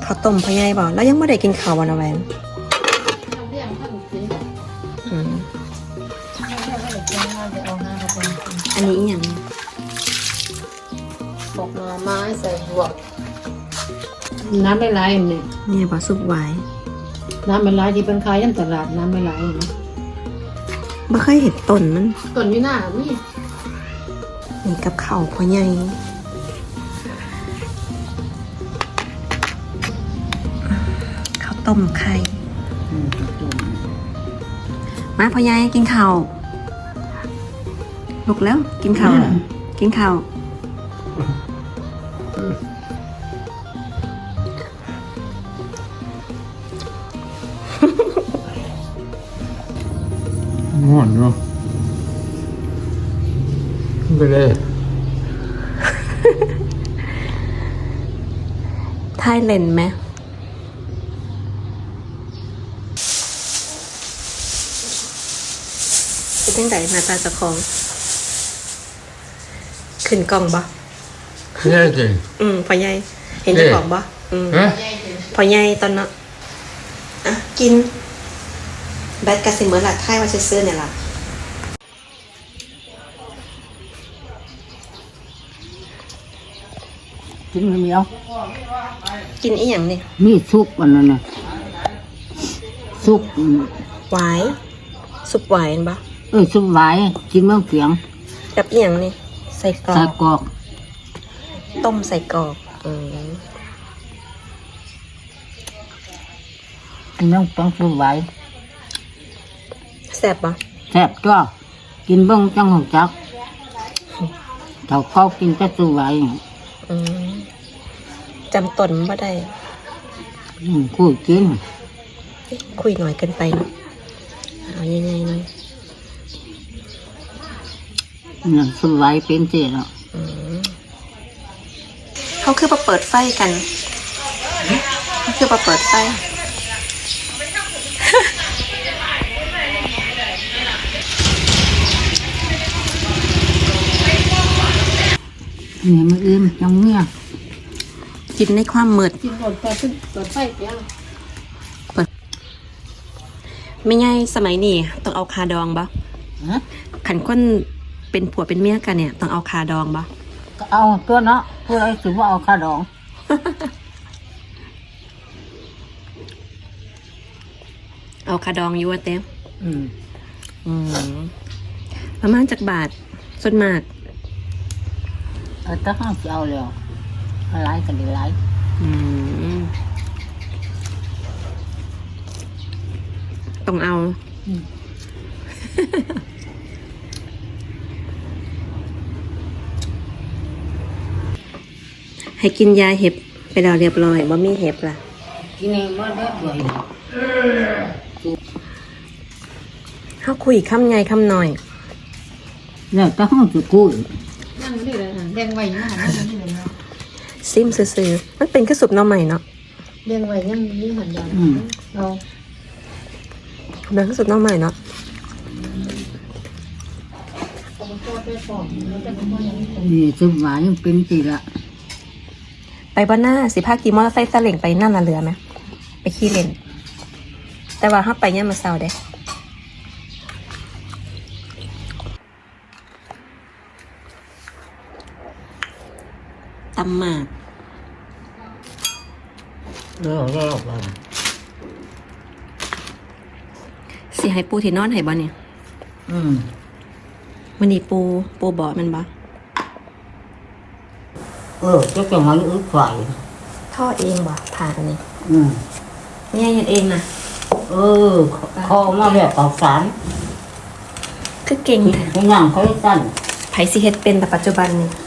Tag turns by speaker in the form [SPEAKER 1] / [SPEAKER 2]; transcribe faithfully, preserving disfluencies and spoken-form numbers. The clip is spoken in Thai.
[SPEAKER 1] ข้าวต้มพ่อใหญ่บ่แล้วยังไม่ได้กินข้าววันนะแหวนอืมอันนี้อีหยัง
[SPEAKER 2] บอกหน่อไม้ใส่บวกน้ำไม่ไหลนี่
[SPEAKER 1] เนี่ยบ่ซุปหวาย
[SPEAKER 2] น้ำไม่ไหลที่เป็นขายยันตลาดน้ำไม่ไหลนะ
[SPEAKER 1] บ่เคยเห็นต้นมัน
[SPEAKER 2] ต้นอยู่หน้านี่
[SPEAKER 1] นี่กับข้าวพ่อใหญ่ข้าวต้มไข่มาพ่อใหญ่กินข้าวลุกแล้วกินข้าวกินข้าว
[SPEAKER 3] ง่วนเนาะไปเลย
[SPEAKER 1] ไทยเลนไหมเป็นจังไดหน้าตาเจ้าของขึ้นกล้องบ่
[SPEAKER 3] แย่จริง
[SPEAKER 1] อืมพ่อใหญ่เห็นเจ้าของบ่อืม
[SPEAKER 3] ฮะ
[SPEAKER 1] พ่อใหญ่ตอนนั้นอ่ะกินแบทกาซิเมอร์ละไทยว่าซื้อเนี่ยล่ะ
[SPEAKER 2] กินไม่มีเอา
[SPEAKER 1] กินอีหยังนี่
[SPEAKER 2] มีซุปอันนั้นนะซุป
[SPEAKER 1] หวายซุปหวายเห็นบ่
[SPEAKER 2] เอ้ยซุปหวายกินเมืองเสียง
[SPEAKER 1] กับอีหยังนี่ใส่กรอ
[SPEAKER 2] ใส่
[SPEAKER 1] ก
[SPEAKER 2] กรอก
[SPEAKER 1] ต้มใส่กรอกอืม
[SPEAKER 2] กินเมืองเสียงซุปหวาย
[SPEAKER 1] แซ่บบ่
[SPEAKER 2] แซ่บตัวกินเบิ่งจังหงจักเถ้าเขากินแต่ซุปหวาย
[SPEAKER 1] อืมจำตนบ่ได้
[SPEAKER 2] อืมคู่กิน
[SPEAKER 1] คุยหน่อยเกินไปเนาะเอายังไงหน่อย
[SPEAKER 2] นี่ซุปหวายเป็นเสียแล้ว
[SPEAKER 1] อืมเขาคือมาเปิดไฟกันเขาคือมาเปิดไฟ
[SPEAKER 2] นี่มันอิ่มจังเงี้ย
[SPEAKER 1] กินในความมืด
[SPEAKER 2] กินหมดแต่ขึ้นเปิดไฟเปียง
[SPEAKER 1] ไม่ง่ายสมัยนี้ต้องเอาคาดองบ่
[SPEAKER 2] ฮะ
[SPEAKER 1] ขันคนเป็นผัวเป็นเมียกันเนี่ยต้องเอาคาดองบ่
[SPEAKER 2] ก็เอาตัวเนาะผู้ใดสิว่าเอาค่าดอง
[SPEAKER 1] เอาคาดองอยู่ว่าเต้ม
[SPEAKER 2] อืม
[SPEAKER 1] อืมประมาณจากบาทส่วนมาก
[SPEAKER 2] เอาแตั้งห้าสิเอาแล้วหลายกันได้หลาย
[SPEAKER 1] อืมต้องเอา
[SPEAKER 2] อืม
[SPEAKER 1] ให้กินยาเห็บไปแล้วเรียบร้อยว่ามีเห็บล่ะ
[SPEAKER 2] กินเองบ่ได้ด้วย
[SPEAKER 1] เขาคุยคำใหญ่คำหน่อย
[SPEAKER 2] แล้วแตั้งห้าสิกู้
[SPEAKER 4] นั่งนี่เลยค่ะแดงไว้ยังหันนั่งนี่เลยเนาะ
[SPEAKER 1] ซิมซื่อๆมันเป็นกระสุบหน้ำใหม่เนาะ
[SPEAKER 4] แดงไว้ยังนี่หันยัน
[SPEAKER 2] อืม
[SPEAKER 4] เอา
[SPEAKER 1] เป็นกระสุบหน้ำใหม่เนาะ
[SPEAKER 4] เอาไปทอดไปปอกแล้วจะมาอย่างนี้
[SPEAKER 2] นี่ซุปหวานยังเป็นสิละ
[SPEAKER 1] ไปบ้านหน้าสิพาขี่มอเตอร์ไซค์ซาเล้งไปนั่นน่ะเรือไหมไปขี่เล่น แต่ว่าถ้าไปเนี่ยามมาเศร้าเด้ตำหมาก
[SPEAKER 3] เลิกเลิกไป
[SPEAKER 1] สิให้ปูที่นอนให้บ่เนี่ย
[SPEAKER 2] อืม
[SPEAKER 1] วันนี้ปูปูบ่อมันบ่
[SPEAKER 2] เออจะจะมาอึดไฟ
[SPEAKER 1] ทอดเองบ่ผ่านนี่
[SPEAKER 2] อืม
[SPEAKER 1] เนี่ยเฮ็ดเองนะ
[SPEAKER 2] เออคอมาแบบเอาสาร
[SPEAKER 1] คือเก่ง
[SPEAKER 2] ผิด
[SPEAKER 1] แท้
[SPEAKER 2] ให้ย่างเขาให้สั้น
[SPEAKER 1] ไผสิเฮ็ดเป็นแต่ปัจจุบันนี่